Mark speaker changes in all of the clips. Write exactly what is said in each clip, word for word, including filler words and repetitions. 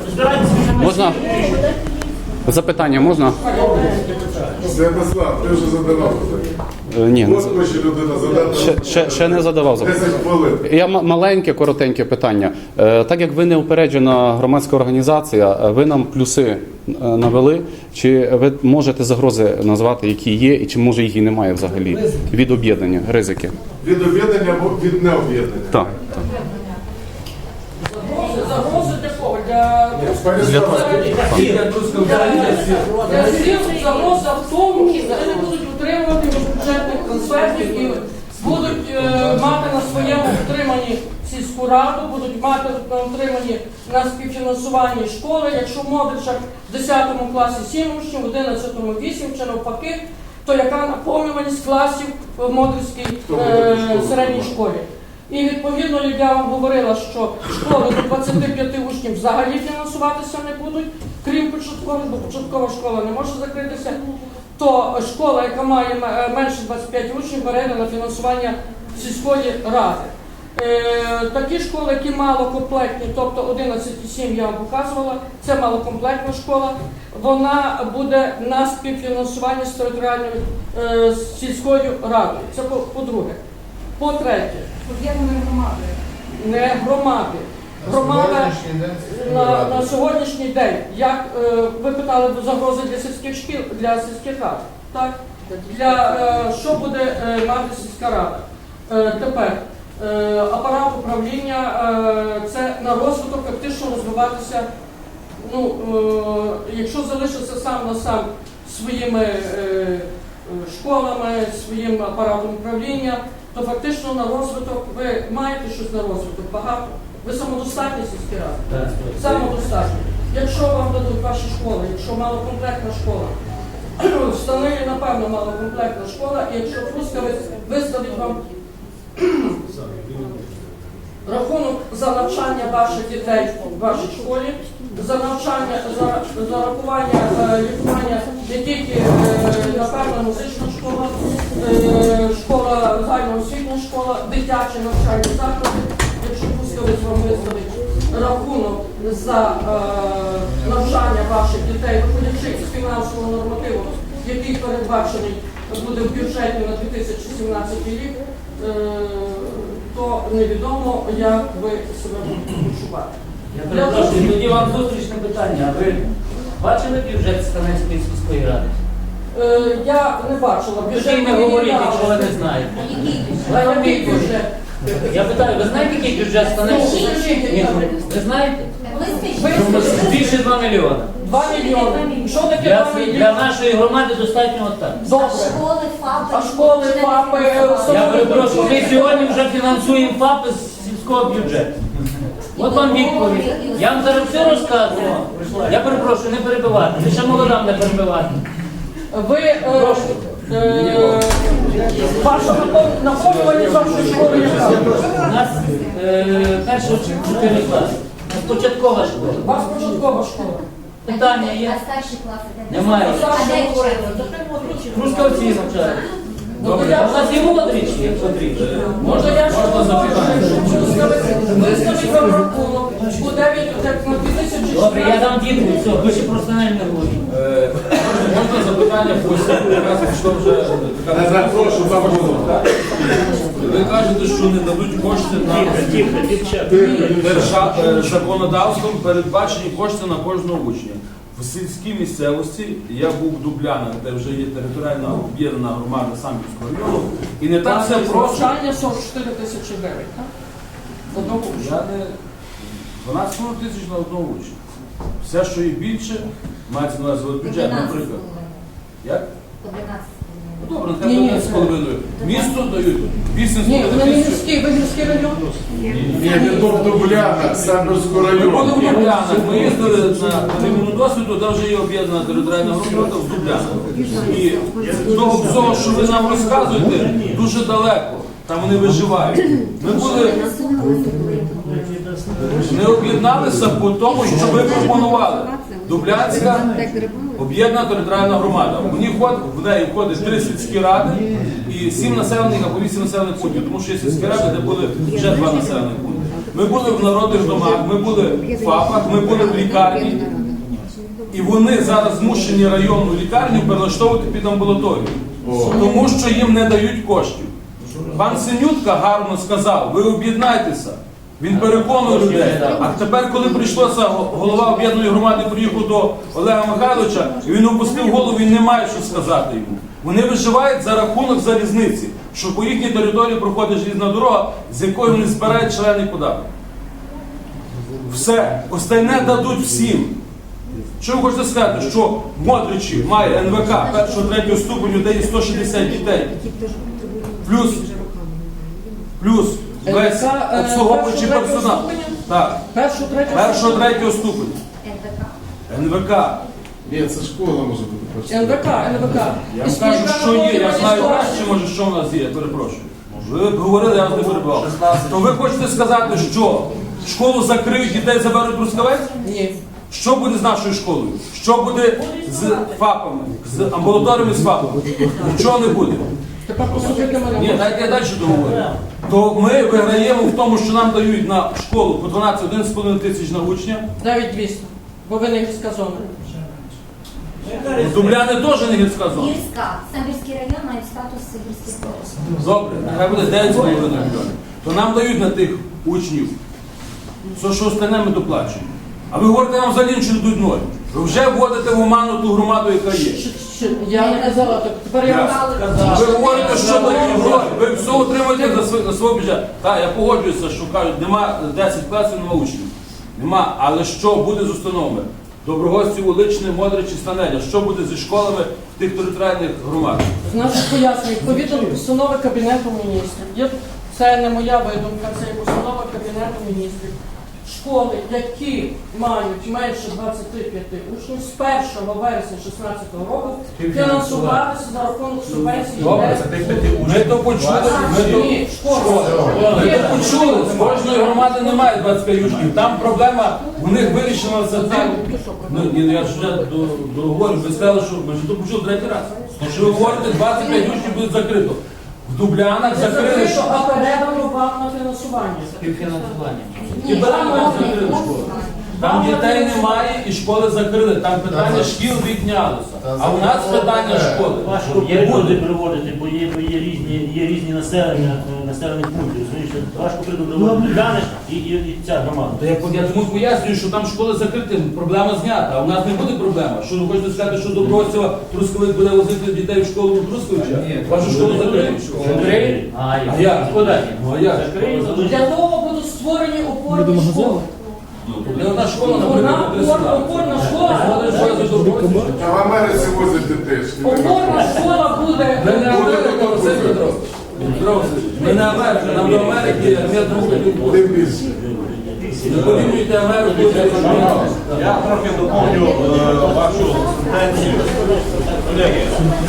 Speaker 1: Можна? Запитання можна?
Speaker 2: Святослав, ти вже задавав
Speaker 1: Е, Ні, не
Speaker 2: От
Speaker 1: за-
Speaker 2: хоче людина задати.
Speaker 1: ще, ще, ще не задавав запитання.
Speaker 2: десять хвилин.
Speaker 1: Я м- маленьке, коротеньке питання. Е, Так як ви не упереджена громадська організація, е, ви нам плюси е, навели. Чи ви можете загрози назвати, які є, і чи може їх і немає взагалі від об'єднання, ризики?
Speaker 2: Від об'єднання або від необ'єднання.
Speaker 1: Так. так.
Speaker 3: Загрози для кого? Для
Speaker 1: Для того.
Speaker 3: Для всіх загроза в тому, що вони не будуть утримувати бюджетних трансфертів і будуть е, мати на своєму утриманні сільську раду, будуть мати на утриманні на співфінансуванні школи. Якщо в Модричах в десятому класі сім учнів, в одинадцятому вісім чи навпаки, то яка наповнюваність класів в Модрицькій е, середній школі? І відповідно я вам говорила, що школи до двадцяти п'яти учнів взагалі фінансуватися не будуть, крім початкової, бо початкова школа не може закритися, то школа, яка має менше двадцяти п'яти учнів, бере на фінансування сільської ради. Е, такі школи, які малокомплектні, тобто одинадцять і сім я вам показувала, це малокомплектна школа, вона буде на співфінансуванні з територіальною е, з сільською радою. Це по- по-друге. По-третє,
Speaker 4: Об'єднаної громади.
Speaker 3: не громади. Громада на, на сьогоднішній день, як е, ви питали загрози для сільських шкіл, для сільських рад, так? Для, е, що буде е, мати сільська рада? Е, тепер е, апарат управління, е, це на розвиток фактично розвиватися, ну, е, якщо залишиться сам на сам своїми е, школами, своїм апаратом управління, то фактично на розвиток, ви маєте щось на розвиток, багато. Ви самодостатні сільські ради. Самодостатні. Якщо вам дадуть ваші школи, якщо малокомплектна школа, Станині, напевно, малокомплектна школа, і якщо Трускавець виставить вам рахунок за навчання ваших дітей в вашій школі, за навчання, за, за рахування е, лікування не тільки, е, напевно, музична школа, е, школа, загальноосвітня школа, дитячі навчальні заклади, якщо Трускавець вам виставить рахунок за е, навчання ваших дітей, виходячи з фінансового нормативу, який передбачений буде в бюджеті на дві тисячі сімнадцятий рік, е, то невідомо, як ви себе будете почувати.
Speaker 5: Я перепрошую, тоді вам зустрічне питання. А ви бачили бюджет Станецької сільської ради?
Speaker 3: Е, я не бачила
Speaker 5: Тоді
Speaker 3: бюджет.
Speaker 5: не говоріть, якщо ви не знаєте.
Speaker 3: А який бюджет?
Speaker 5: Я питаю, ви знаєте, який бюджет Станецької? Ні, ви знаєте?
Speaker 3: Виставили
Speaker 5: Більше два мільйони.
Speaker 3: два мільйони. Що таке
Speaker 5: Для,
Speaker 3: два
Speaker 5: для
Speaker 3: мільйони?
Speaker 5: нашої громади достатньо отак.
Speaker 3: Добре.
Speaker 4: Школи, ФАПи.
Speaker 3: А школи, ФАПи,
Speaker 5: Я перепрошую, ми сьогодні вже фінансуємо ФАПи з сільського бюджету. От вам відповідь. Я вам зараз все розказую. Я перепрошую, не перебивати. Ви ще молодам не перебивати.
Speaker 3: Ви, е, е, ваша напов- наповнюваність вашої школи яка?
Speaker 5: У нас е, перші чотири класи. У нас початкова школа.
Speaker 3: У вас початкова школа.
Speaker 5: Питання є?
Speaker 4: А старші класи де?
Speaker 5: Немає.
Speaker 4: А де
Speaker 3: Старші
Speaker 4: вчаться?
Speaker 5: Трускавці навчають.
Speaker 3: Ну, то
Speaker 5: А
Speaker 3: я
Speaker 5: у нас є молодрічі, як потрібно.
Speaker 3: Може, я ще виставить вам рахунок у дев'ять на дві тисячі
Speaker 5: Добре, я дам відповідь, все, ви ще просто не говоріть.
Speaker 6: Е, Можна запитання по якраз пішло вже така.
Speaker 2: Не запрошую, запрошую.
Speaker 6: Ви кажете, що не дадуть кошти на держа... е, законодавством передбачені кошти на кожного учня. В сільській місцевості я був в Дублянах, де вже є територіальна об'єднана громада Самбірського району, і не так все просто.
Speaker 3: Навчання сорок чотири тисячі гривень, так? Одного
Speaker 6: Я не дванадцять тисяч на одного учня. Все, що є більше, мається на увазі бюджет, наприклад. Як?
Speaker 4: одинадцять.
Speaker 6: Ну, добре, нехай
Speaker 3: Ні-ні,
Speaker 6: буде з половиною. Місто дають вісім з
Speaker 3: Ні, ви не
Speaker 6: половиною тисяч.
Speaker 3: міський, ви міський район?
Speaker 2: Ні, не то в Дублянах, Самбірського
Speaker 6: Ми були в
Speaker 2: району.
Speaker 6: Дублянах, ми їздили на рівну досвіду, де вже є об'єднана територіальна громада в Дублянах. І того всього, що ви нам розказуєте, дуже далеко. Там вони виживають. Ми були, не об'єдналися по тому, що ви пропонували. Дублянська об'єднана територіальна громада. В ній входить, в неї входить три сільські ради і сім населених або вісім населених пунктів, тому що є сільські ради, де були вже два населених пункти. Ми були в народних домах, ми були в ФАПах, ми були в лікарні. І вони зараз змушені районну лікарню перелаштовувати під амбулаторію. Тому що їм не дають коштів. Пан Синютка гарно сказав, ви об'єднайтеся. Він переконує людей. А тепер, коли прийшлося, голова об'єднаної громади приїхав до Олега Михайловича, і він опустив голову, він не має що сказати йому. Вони виживають за рахунок залізниці, що по їхній території проходить желізна дорога, з якої вони збирають шалений податок. Все. Остальне дадуть всім. Що ви хочете сказати, що в Модричі має ен ве ка першого, третього ступеню, де є сто шістдесят дітей. Плюс, плюс весь
Speaker 3: ен ве ка, е,
Speaker 6: обслуговуючий
Speaker 3: першого,
Speaker 6: персонал.
Speaker 3: третього
Speaker 6: Так.
Speaker 3: Першого, третього.
Speaker 6: Першого, третього ступеню. ен ве ка.
Speaker 2: Ні, це школа може бути перша.
Speaker 3: ен ве ка, ен ве ка.
Speaker 6: Я вам кажу, що є. Я знаю краще, може, що в нас є. Я перепрошую. Ви говорили, я вас не перебував. То ви хочете сказати, що школу закриють, дітей заберуть Трускавець?
Speaker 3: Ні.
Speaker 6: Що буде з нашою школою? Що буде з ФАПами, з амбулаторіями з ФАПами? Нічого не буде.
Speaker 3: Тепер послухайте мене.
Speaker 6: Ні, дайте я далі договорю. То ми виграємо в тому, що нам дають на школу по дванадцять з половиною тисяч на учня.
Speaker 3: дев'ять двісті. Бо ви не гірська зона.
Speaker 6: Дубляни теж не гірська зона.
Speaker 4: Гірська. Самбірський район має статус гірських зон.
Speaker 6: Добре, нехай буде дев'ять з половиною мільйонів. То нам дають на тих учнів. Все, що остальне ми доплачуємо. А ви говорите, нам взагалі нічого не дадуть ноль. Ви вже вводите в оману ту громаду, яка є.
Speaker 3: Щ- щ- Я не казала, так тепер я вам
Speaker 6: Ви говорите, що дають гроші, ви все отримуєте за свій, за свій бюджет. Так, я погоджуюся, що кажуть, нема десять класів, нема учнів. Нема, але що буде з установами? Доброгостів, Уличне, Модричі, Станеля. Що буде зі школами в тих територіальних громадах?
Speaker 3: з наших пояснень, відповідно до постанови Кабінету міністрів. Є, це не моя видумка, це є постанова Кабінету міністрів. Школи, які мають менше двадцяти п'яти учнів, з першого вересня дві тисячі шістнадцятого року фінансуватися за рахунок субвенції.
Speaker 6: Добре, ми то почули, ми то...
Speaker 3: Ні, школа.
Speaker 6: Ми то почули, з кожної громади немає двадцять п'ять учнів. Там проблема, у них вирішена за тим. Ну, ні, я ж вже до- договорю, ви сказали, що ми ж то почули третій раз. Що ви говорите, двадцять п'ять учнів буде закрито. В Дублянах
Speaker 3: Не
Speaker 6: закрили
Speaker 3: закрито,
Speaker 6: школу.
Speaker 3: а передано вам на фінансування.
Speaker 5: Співфінансування.
Speaker 6: І Дублянах закрили школи. Там дітей немає і школи закрили. Там питання шкіл віднялося. А у нас питання школи.
Speaker 7: Важко
Speaker 6: Є
Speaker 7: приклади
Speaker 6: люди.
Speaker 7: приводити, бо є, бо є різні, є різні населення, е, населених пунктів. Розумієш, важко приклади глянеш і, і, і ця громада.
Speaker 6: То я, я тому пояснюю, що там школи закриті, проблема знята, а у нас не буде проблема. Що ви хочете сказати, що Добросєва Трускавець буде возити дітей в школу в Трускавича? Вашу школу закриють.
Speaker 5: Закриють?
Speaker 7: А,
Speaker 6: А
Speaker 7: як?
Speaker 6: як?
Speaker 5: Куди?
Speaker 6: Ну а як?
Speaker 7: Закриють.
Speaker 3: Для того будуть створені опорні школи.
Speaker 6: Не одна школа,
Speaker 3: Одна
Speaker 6: наприклад, буде
Speaker 3: опорна, опорна школа.
Speaker 6: Вони ж возять Добросєва.
Speaker 2: А в Америці возять дітей.
Speaker 3: Опорна школа буде.
Speaker 6: Ми не Америка, Василь Петрович. Петро Васильович, ми не Америка, нам до Америки метр рухати буде.
Speaker 2: Тим більше.
Speaker 6: Не порівнюйте Америку з Америкою.
Speaker 8: Я трохи доповню е, вашу сентенцію. Колеги,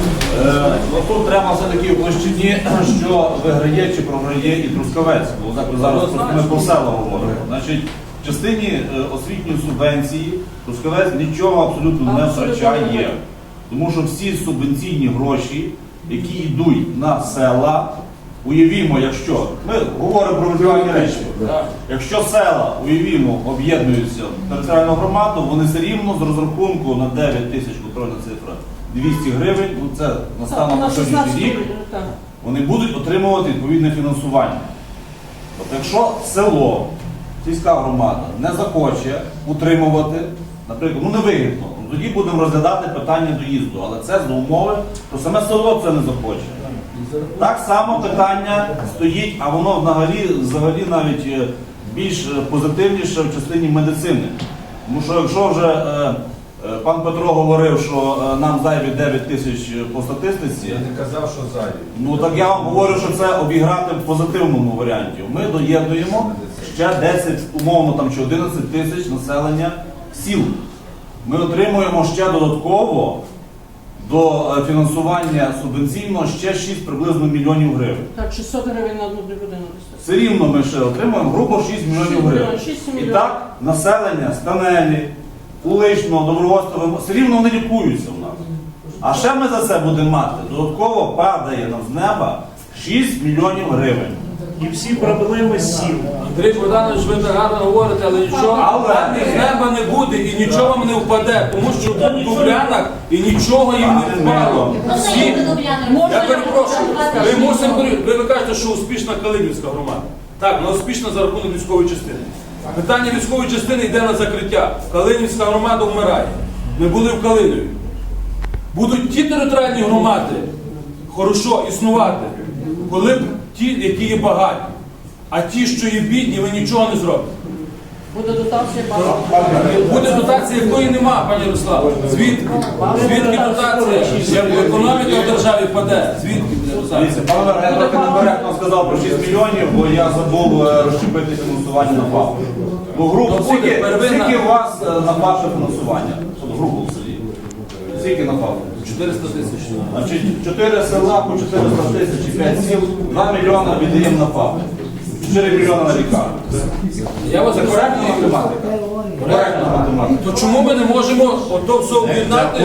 Speaker 8: е, ну, тут треба все-таки в площині, що виграє чи програє і Трускавець. Бо так ми зараз просто ми про села говоримо. Значить, в частині е, освітньої субвенції Трускавець нічого абсолютно не
Speaker 3: Абсолютно
Speaker 8: втрачає.
Speaker 3: не.
Speaker 8: Тому що всі субвенційні гроші, які йдуть на села, уявімо, якщо ми говоримо про виживання речі. Якщо села, уявімо, об'єднуються в територіальну громаду, вони все рівно з розрахунку на дев'ять тисяч, контрольна цифра, двісті гривень, ну це на станом на сьогоднішній рік,
Speaker 3: Так.
Speaker 8: вони будуть отримувати відповідне фінансування. Тобто, якщо село, сільська громада не захоче утримувати, наприклад, ну невигідно, ну, тоді будемо розглядати питання доїзду, але це за умови, то саме село це не захоче. Так само питання стоїть, а воно взагалі, взагалі навіть е, більш е, позитивніше в частині медицини. Тому що якщо вже е, е, пан Петро говорив, що е, нам зайві дев'ять тисяч по статистиці,
Speaker 2: Я не казав, що зайві.
Speaker 8: ну так я вам говорю, що це обіграти в позитивному варіанті. Ми доєднуємо ще десять, умовно там чи одинадцять тисяч населення сіл. Ми отримуємо ще додатково до е, фінансування субвенційного ще шість приблизно мільйонів гривень.
Speaker 3: Так, шістсот гривень на одну людину.
Speaker 8: Все рівно ми ще отримуємо грубо шість мільйонів гривень.
Speaker 3: шість
Speaker 8: І
Speaker 3: мільйонів.
Speaker 8: так населення Станелі, Уличного, Добровольського, все рівно вони лікуються в нас. А ще ми за це будемо мати. Додатково падає нам з неба шість мільйонів гривень.
Speaker 7: і всі проблеми сіл.
Speaker 6: Андрій Богданович, ви так гарно говорите, але нічого
Speaker 8: Але-
Speaker 6: вам із неба не буде і нічого вам не впаде, тому що в Дублянах і нічого їм не впало. Всі, я перепрошую, ви мусимо, ви, ви кажете, що успішна Калинівська громада. Так, вона успішна за рахунок військової частини. Питання військової частини йде на закриття. Калинівська громада вмирає. Ми були в Калинові. Будуть ті територіальні громади хорошо існувати, коли б ті, які є багаті. А ті, що є бідні, ви нічого не зробите.
Speaker 3: Буде дотація багато.
Speaker 6: Буде дотація, якої нема, пані Ярославе. Звідки? Звідки дотація? Як економіка в державі впаде? Звідки буде дотація?
Speaker 8: Дивіться, пан Вер, я трохи некоректно сказав про шість мільйонів, бо я забув е, розщепити фінансування на ФАП. Ну, грубо,
Speaker 6: То буде
Speaker 8: скільки,
Speaker 6: первинна-
Speaker 8: скільки у вас е, на ваше фінансування? От грубо в селі. Скільки на ФАП?
Speaker 6: чотириста тисяч.
Speaker 8: Значить, чотири села по чотириста тисяч і п'ять сіл, два мільйони віддаємо на ФАП. чотири мільйони на лікарню.
Speaker 6: Я вас
Speaker 8: Це коректна математика? Коректна математика.
Speaker 6: То чому ми не можемо ото все об'єднати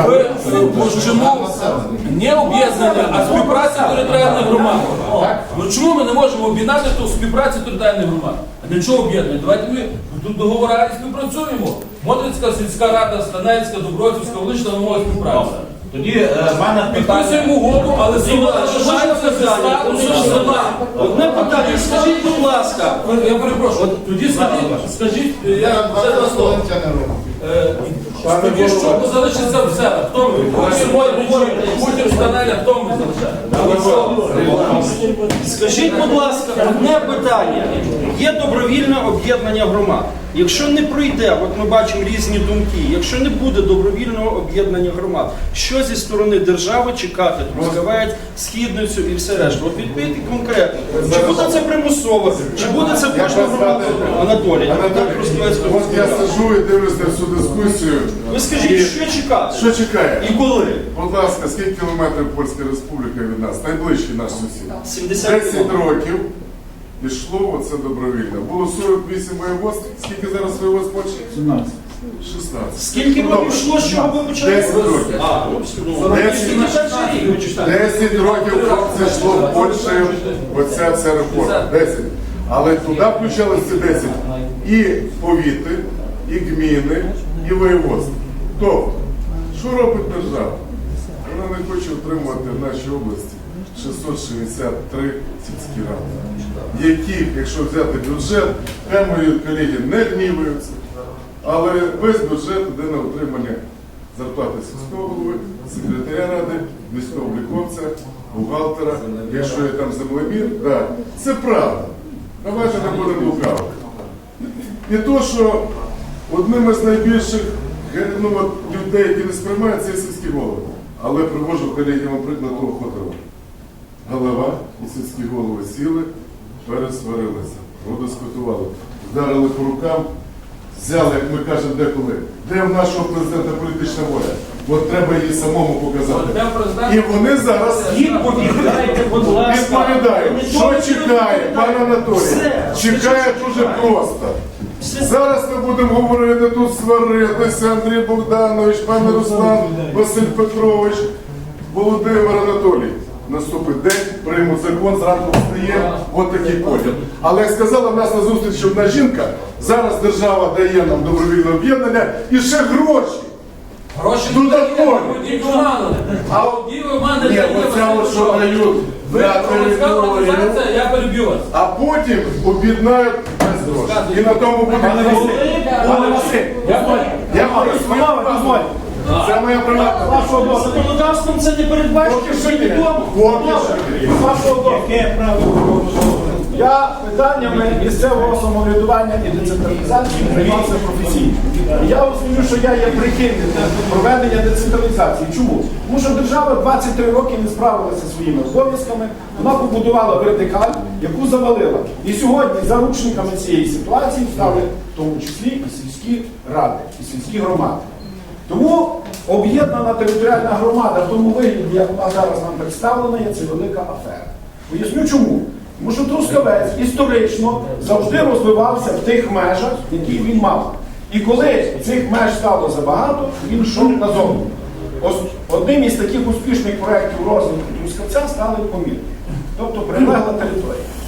Speaker 6: в площину не об'єднання, а співпраці територіальних громад? Ну чому ми не можемо об'єднати то співпраці територіальних громад? А для чого об'єднання? Давайте ми тут договори і співпрацюємо. Модрицька сільська рада, Станецька, Дубровцівська, Велична вимога співпраці.
Speaker 8: Тоді е, в мене питання.
Speaker 6: Підписуємо угоду, але сила залишається за статусом села.
Speaker 9: Одне питання, скажіть, будь ласка,
Speaker 6: Я перепрошую, тоді скажіть, скажіть, я вже два слова. Е, Тоді що залишиться в себе? Хто ми? Хутір мой, хутір Станеля, хто ми залишаємо?
Speaker 9: скажіть, будь ласка, одне питання. Є добровільне об'єднання громад. Якщо не пройде, от ми бачимо різні думки, якщо не буде добровільного об'єднання громад, що зі сторони держави чекати, Трускавець, Східницю і все решта? От відповідь конкретно. Чи буде це примусово, чи буде це кожна громада? Анатолій, Анатолій Трускавець.
Speaker 2: От я сиджу і дивлюся на всю дискусію.
Speaker 9: Ви скажіть, що чекати?
Speaker 2: Що чекає?
Speaker 9: І коли?
Speaker 2: Будь ласка, скільки кілометрів Польська Республіка від нас? Найближчий наш сусід.
Speaker 9: сімдесят
Speaker 2: десять років пішло оце добровільно. Було сорок вісім воєводств. Скільки зараз воєводств Польщі?
Speaker 7: сімнадцять.
Speaker 2: шістнадцять.
Speaker 9: Скільки років йшло, з чого ви почали?
Speaker 2: десять років.
Speaker 9: А, ну,
Speaker 2: десять десять років це йшло в Польщі, оця вся реформа. десять. Але туди включалися десять і повіти, і гміни, і воєводства. Тобто, що робить держава? Вона не хоче отримувати в нашій області шістсот шістдесят три сільські ради, яких, якщо взяти бюджет, хай мої колеги не гніваються, але весь бюджет йде на отримання зарплати сільського голови, секретаря ради, міського обліковця, бухгалтера, якщо є там землемір, да, це правда. Давайте не будемо лукавити. І то, що одним із найбільших ну, от, людей, які не сприймають, це сільські голови. Але привожу колеги вам приклад того Ходорова. Голова і сільські голови сіли, пересварилися, продискутували, вдарили по рукам, взяли, як ми кажемо, деколи. Де в нашого президента політична воля? От треба її самому показати. І вони зараз
Speaker 9: відповідайте, будь ласка.
Speaker 2: відповідають, що чекає, пан Анатолій. Чекає дуже просто. Зараз ми будемо говорити, тут сваритися, Андрій Богданович, пан Руслан, Василь Петрович, Володимир Анатолій. Наступить день, приймуть закон, зранку встає, от такий поділ. Але як сказала в нас на зустрічі одна жінка, зараз держава дає нам добровільне об'єднання і ще гроші.
Speaker 6: Гроші
Speaker 2: Додаткові.
Speaker 6: не обманули. А одні ви мене
Speaker 2: Ні, оця от, що дають
Speaker 6: Ви
Speaker 2: на
Speaker 6: громадська
Speaker 2: територію,
Speaker 6: організація, я переб'ю вас.
Speaker 2: а потім об'єднають без грошей. І на тому буде
Speaker 7: Пане Василь, пане Василь, я
Speaker 2: Я говорю свою правду. Це моя приватна.
Speaker 9: Вашого дозволу. Законодавством це не передбачено, що відомо.
Speaker 2: Поки що.
Speaker 7: вашого дозволу. Я питаннями місцевого самоврядування і децентралізації займався професійно. І я розумію, що я є прихильником проведення децентралізації. Чому? Тому що держава двадцять три роки не справилася зі своїми обов'язками, вона побудувала вертикаль, яку завалила. І сьогодні заручниками цієї ситуації стали в тому числі і сільські ради, і сільські громади. Тому об'єднана територіальна громада в тому вигляді, як вона зараз нам представлена, є це велика афера. Поясню чому. Тому що Трускавець історично завжди розвивався в тих межах, які він мав. І коли цих меж стало забагато, він йшов назовні. Ос- Одним із таких успішних проєктів розвитку Трускавця стали помірки, тобто прилегла територія.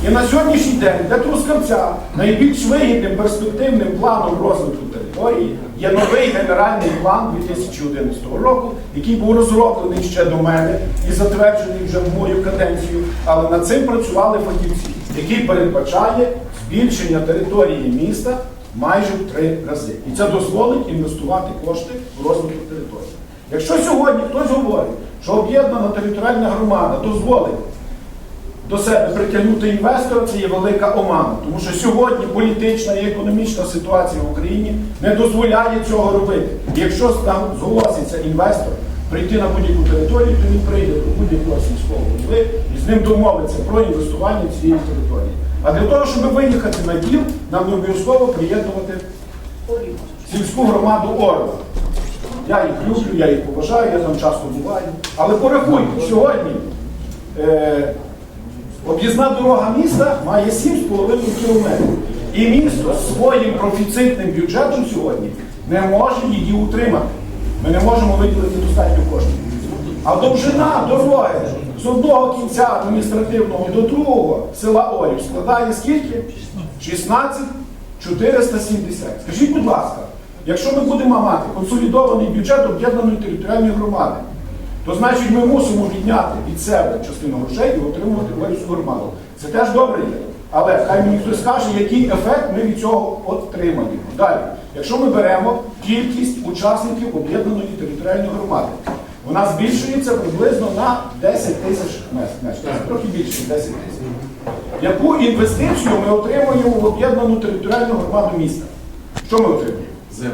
Speaker 7: І на сьогоднішній день для Трускавця найбільш вигідним перспективним планом розвитку території є новий генеральний план дві тисячі одинадцятого року, який був розроблений ще до мене і затверджений вже в мою каденцію, але над цим працювали фахівці, який передбачає збільшення території міста майже в три рази. І це дозволить інвестувати кошти в розвиток території. Якщо сьогодні хтось говорить, що об'єднана територіальна громада дозволить до себе притягнути інвестора, це є велика омана. Тому що сьогодні політична і економічна ситуація в Україні не дозволяє цього робити. І якщо там зголоситься інвестор прийти на будь-яку територію, то він прийде до будь-якого сільського голови і з ним домовиться про інвестування цієї території. А для того, щоб виїхати на діл, нам не обов'язково приєднувати сільську громаду Орла. Я їх люблю, я їх поважаю, я там часто буваю. Але порахуйте, сьогодні е, об'їзна дорога міста має сім з половиною кілометрів. І місто своїм профіцитним бюджетом сьогодні не може її утримати. Ми не можемо виділити достатньо коштів. А довжина дороги з одного кінця адміністративного до другого села Орів складає скільки? шістнадцять тисяч чотириста сімдесят. Скажіть, будь ласка, якщо ми будемо мати консолідований бюджет об'єднаної територіальної громади, то значить ми мусимо відняти від себе частину грошей і отримувати Орівську громаду. Це теж добре є. Але хай мені хтось скаже, який ефект ми від цього отримаємо. Далі, якщо ми беремо кількість учасників об'єднаної територіальної громади, вона збільшується приблизно на десять тисяч мешканців, трохи більше, десять тисяч. Яку інвестицію ми отримуємо в об'єднану територіальну громаду міста? Що ми отримуємо?
Speaker 2: Землю.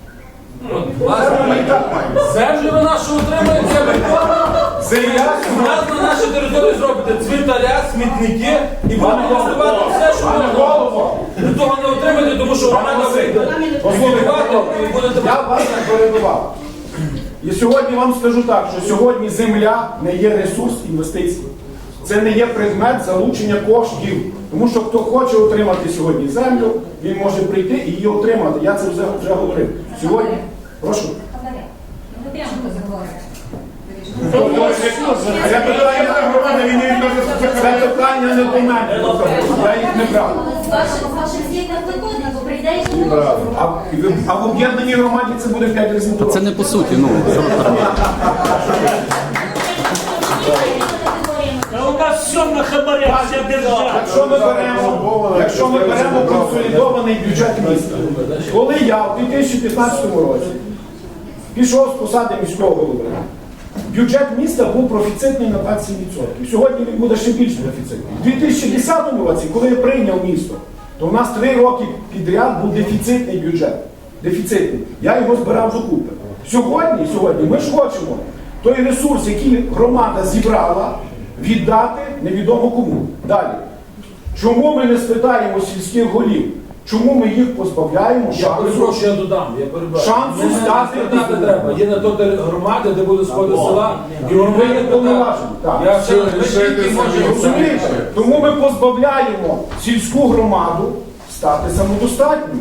Speaker 7: Землю ми і так маємо.
Speaker 6: Землю ви нашу отримаєте, ви
Speaker 7: Земля,
Speaker 6: У нас на нашій території зробите цвинтаря, смітники і будете розвивати все, що
Speaker 7: пане
Speaker 6: можна.
Speaker 7: голово,
Speaker 6: Ви того не отримаєте, тому що громада вийде.
Speaker 7: послухайте,
Speaker 6: І будете
Speaker 7: я вас не перебивав. І сьогодні вам скажу так, що сьогодні земля не є ресурс інвестицій. Це не є предмет залучення коштів. Тому що хто хоче отримати сьогодні землю, він може прийти і її отримати. Я це вже, вже говорив. Сьогодні, прошу.
Speaker 4: Хабаря. Ви прямо заговорите.
Speaker 7: Це питання не громади, він не відноситься. Це питання не до мене. Я їх не брав.
Speaker 4: З вашим, з вашим звітом виходить, бо прийде і не може.
Speaker 7: А, а в об'єднаній громаді це буде п'ять разів дорожче.
Speaker 1: Це не по суті, ну.
Speaker 5: А у нас все на хабарях, вся держава.
Speaker 7: Якщо ми беремо, якщо ми беремо консолідований бюджет міста, коли я в дві тисячі п'ятнадцятому році пішов з посади міського голови, бюджет міста був профіцитний на двадцять сім відсотків. Сьогодні він буде ще більш профіцитний. У дві тисячі десятому році, коли я прийняв місто, то у нас три роки підряд був дефіцитний бюджет. Дефіцитний. Я його збирав докупи. Сьогодні, сьогодні ми ж хочемо той ресурс, який громада зібрала, віддати невідомо кому. Далі. Чому ми не спитаємо сільських голів? Чому ми їх позбавляємо
Speaker 6: Я
Speaker 7: шансу?
Speaker 6: перепрошую, я додам. Я перебачу.
Speaker 7: Шансу
Speaker 6: Мене
Speaker 7: стати
Speaker 6: не спитати
Speaker 7: бізнесом.
Speaker 6: треба. Є на то громади, де буде сходи села, і
Speaker 7: Ви
Speaker 6: вони
Speaker 7: не повноважені. Так.
Speaker 6: Я ще
Speaker 2: Лишайте
Speaker 6: тільки
Speaker 2: собі.
Speaker 6: можу
Speaker 7: Розумієте? Тому ми позбавляємо сільську громаду стати самодостатньою.